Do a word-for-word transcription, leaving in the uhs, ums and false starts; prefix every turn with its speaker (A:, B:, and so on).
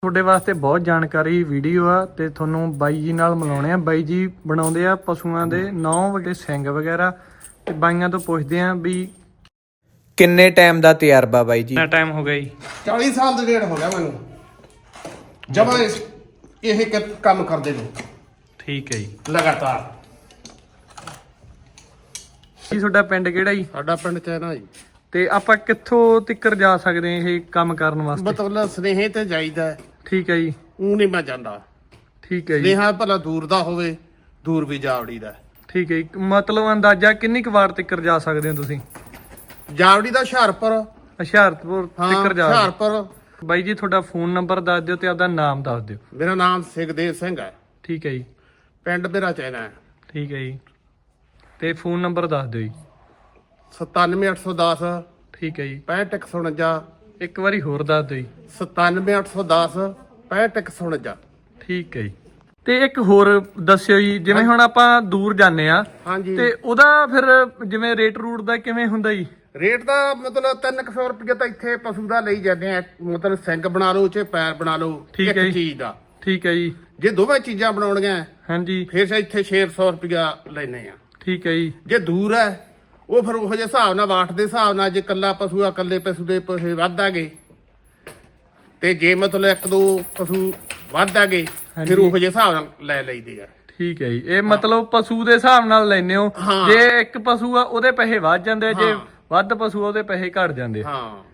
A: ਤੁਹਾਡੇ ਵਾਸਤੇ ਬਹੁਤ ਜਾਣਕਾਰੀ ਵੀਡੀਓ ਆ ਤੇ ਤੁਹਾਨੂੰ ਬਾਈ ਜੀ ਨਾਲ ਮਿਲਾਉਣੇ ਆ। ਬਾਈ ਜੀ ਬਣਾਉਂਦੇ ਆ ਪਸ਼ੂਆਂ ਦੇ ਨੌ ਵਗੇ ਸਿੰਘ ਵਗੈਰਾ ਤੇ ਬਾਈਆਂ ਤੋਂ ਪੁੱਛਦੇ ਆ ਵੀ ਕਿੰਨੇ ਟਾਈਮ ਦਾ ਤਜਰਬਾ ਬਾਈ ਜੀ? ਕਿੰਨਾ ਟਾਈਮ ਹੋ ਗਿਆ ਜੀ?
B: ਚਾਲੀ ਸਾਲ ਦਾ ਡੇਢ ਹੋ ਗਿਆ ਮੈਨੂੰ ਜਮਾਂ ਇਹ ਕੰਮ ਕਰਦੇ ਨੂੰ।
A: ਠੀਕ ਹੈ ਜੀ।
B: ਲਗਾਤਾਰ।
A: ਜੀ ਤੁਹਾਡਾ ਪਿੰਡ ਕਿਹੜਾ ਜੀ?
B: ਸਾਡਾ ਪਿੰਡ ਚੈਨਾ ਜੀ।
A: ਤੇ ਆਪਾਂ ਕਿੱਥੋਂ ਤੱਕ ਜਾ ਸਕਦੇ ਹਾਂ ਇਹ ਕੰਮ ਕਰਨ ਵਾਸਤੇ?
B: ਮਤਲਬ ਸਨੇਹੇ ਤੇ ਜਾਈਦਾ।
A: ਠੀਕ ਹੈ ਜੀ।
B: ਉਹ ਨਹੀਂ ਮੈਂ ਜਾਂਦਾ।
A: ਠੀਕ ਹੈ ਜੀ।
B: ਸਨੇਹਾ ਭਲਾ ਦੂਰ ਦਾ ਹੋਵੇ, ਦੂਰ ਵੀ ਜਾਵੜੀ ਦਾ।
A: ਠੀਕ ਹੈ ਜੀ। ਮਤਲਬ ਅੰਦਾਜ਼ਾ ਕਿੰਨੀ ਕੁ ਵਾਰ ਤੱਕ ਜਾ ਸਕਦੇ ਹੋ ਤੁਸੀਂ?
B: ਜਾਵੜੀ ਦਾ ਹੁਸ਼ਿਆਰਪੁਰ,
A: ਹੁਸ਼ਿਆਰਪੁਰ ਤੱਕ ਜਾ।
B: ਹੁਸ਼ਿਆਰਪੁਰ।
A: ਬਾਈ ਜੀ ਤੁਹਾਡਾ ਫੋਨ ਨੰਬਰ ਦੱਸ ਦਿਓ ਤੇ ਆਪਦਾ ਨਾਮ ਦੱਸ ਦਿਓ।
B: ਮੇਰਾ ਨਾਮ ਸੁਖਦੇਵ ਸਿੰਘ ਹੈ।
A: ਠੀਕ ਹੈ ਜੀ।
B: ਪਿੰਡ ਮੇਰਾ ਚੈਨਾ ਹੈ।
A: ਠੀਕ ਹੈ ਜੀ। ਤੇ ਫੋਨ ਨੰਬਰ ਦੱਸ ਦਿਓ ਜੀ।
B: ਸਤਾਨਵੇਂ ਅੱਠ ਸੌ ਦਸ।
A: ਠੀਕ ਹੈ ਜੀ।
B: ਪੈਂਹਠ ਇੱਕ ਸੌ ਉਣੰਜਾ।
A: ਇੱਕ ਵਾਰੀ ਹੋਰ ਦੱਸ ਦਿਓ ਜੀ।
B: ਸਤਾਨਵੇਂ ਅੱਠ ਸੌ ਦਸ ਪੈਂਹਠ ਇੱਕ ਸੌ ਉਣੰਜਾ।
A: ਠੀਕ ਹੈ ਜੀ। ਤੇ ਇੱਕ ਹੋਰ ਦੱਸਿਓ ਜੀ, ਜਿਵੇਂ ਹੁਣ ਆਪਾਂ ਦੂਰ ਜਾਂਦੇ ਆ
B: ਹਾਂਜੀ
A: ਤੇ ਉਹਦਾ ਫਿਰ ਜਿਵੇਂ ਰੇਟ ਰੂਟ ਦਾ ਕਿਵੇਂ ਹੁੰਦਾ ਜੀ?
B: ਰੇਟ ਦਾ ਮਤਲਬ ਤਿੰਨ ਕੁ ਸੌ ਰੁਪਏ ਤਾਂ ਇੱਥੇ ਪਸ਼ੂ ਦਾ ਲਈ ਜਾਂਦੇ ਆ। ਮਤਲਬ ਸਿੰਘ ਬਣਾ ਲਓ ਚਾਹੇ ਪੈਰ ਬਣਾ ਲਓ ਇੱਕ ਚੀਜ਼ ਦਾ।
A: ਠੀਕ ਹੈ ਜੀ।
B: ਜੇ ਦੋਵੇਂ ਚੀਜ਼ਾਂ ਬਣਾਉਣੀਆਂ
A: ਹਾਂਜੀ
B: ਫਿਰ ਇੱਥੇ ਛੇ ਸੌ ਰੁਪਇਆ ਲੈਨੇ ਆ।
A: ਠੀਕ ਹੈ ਜੀ।
B: ਜੇ ਦੂਰ ਹੈ ਉਹ ਫਿਰ ਉਹੋ ਜਿਹੇ ਹਿਸਾਬ ਨਾਲ ਵਾਟ ਦੇ ਹਿਸਾਬ ਨਾਲ, ਜੇ ਕੱਲਾ ਪਸ਼ੂ ਆ ਕੱਲੇ ਪਸ਼ੂ ਦੇ ਪੈਸੇ ਵੱਧ ਆ ਗਏ ਤੇ ਜੇ ਮਤਲਬ ਇੱਕ ਦੋ ਪਸ਼ੂ ਵੱਧ ਆ ਗਏ ਫਿਰ ਉਹੋ ਜਿਹੇ ਹਿਸਾਬ ਨਾਲ ਲੈ ਲਈਦੇ ਆ।
A: ਠੀਕ ਹੈ ਜੀ। ਇਹ ਮਤਲਬ ਪਸ਼ੂ ਦੇ ਹਿਸਾਬ ਨਾਲ ਲੈਨੇ ਹੋ। ਜੇ ਇੱਕ ਪਸ਼ੂ ਆ ਉਹਦੇ ਪੈਸੇ ਵੱਧ ਜਾਂਦੇ, ਜੇ ਵੱਧ ਪਸ਼ੂ ਉਹਦੇ ਪੈਸੇ ਘਟ ਜਾਂਦੇ।
B: ਹਾਂ